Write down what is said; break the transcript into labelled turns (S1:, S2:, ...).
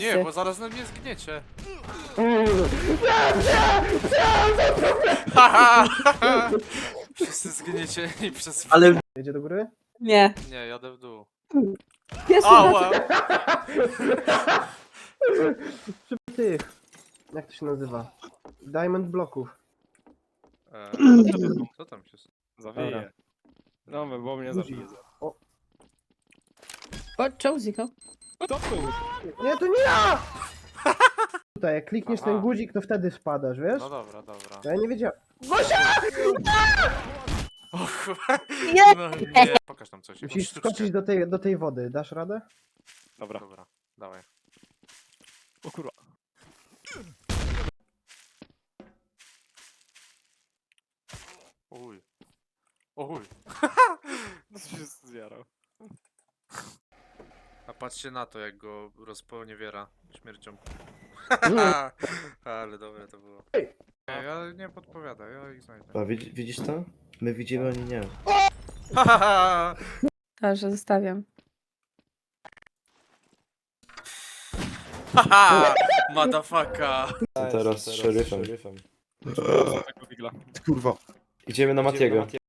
S1: Nie, bo zaraz na mnie zgniecie. Haha! Wszyscy zgniecieni przez...
S2: Ale
S3: Jedzie do góry?
S4: Nie.
S1: Nie, jadę w dół.
S4: Jest
S1: Ała!
S3: Przy tych. Jak to się nazywa? Diamond bloków.
S1: Co tam się...
S5: Zawieje. No, bo mnie zabije.
S3: O,
S4: O, czemu zniknął?
S5: To był.
S3: nie, to nie ja! Tutaj, jak klikniesz
S1: Aha.
S3: ten guzik, to wtedy spadasz, wiesz?
S1: No dobra, dobra.
S3: Ja nie wiedziałem.
S1: O kurwa.
S4: Nie!
S1: No nie. Pokaż tam coś.
S3: Musisz
S1: Sztuczkę.
S3: skoczyć do tej wody. Dasz radę?
S5: Dobra.
S1: Dobra, dawaj.
S5: O kurwa.
S1: Uj. Uj.
S5: No co się zjarał.
S1: A patrzcie na to, jak go rozponiewiera śmiercią.
S3: Nie.
S1: Ale dobre to było. Ja nie podpowiadam, ja ich znajdę.
S2: a, widzisz to? My widzimy, oni nie.
S4: Dobrze, zostawiam.
S1: Haha! Motherfucker!
S2: To teraz z szeryfem.
S5: Tego wigla.
S2: Idziemy na Matiego.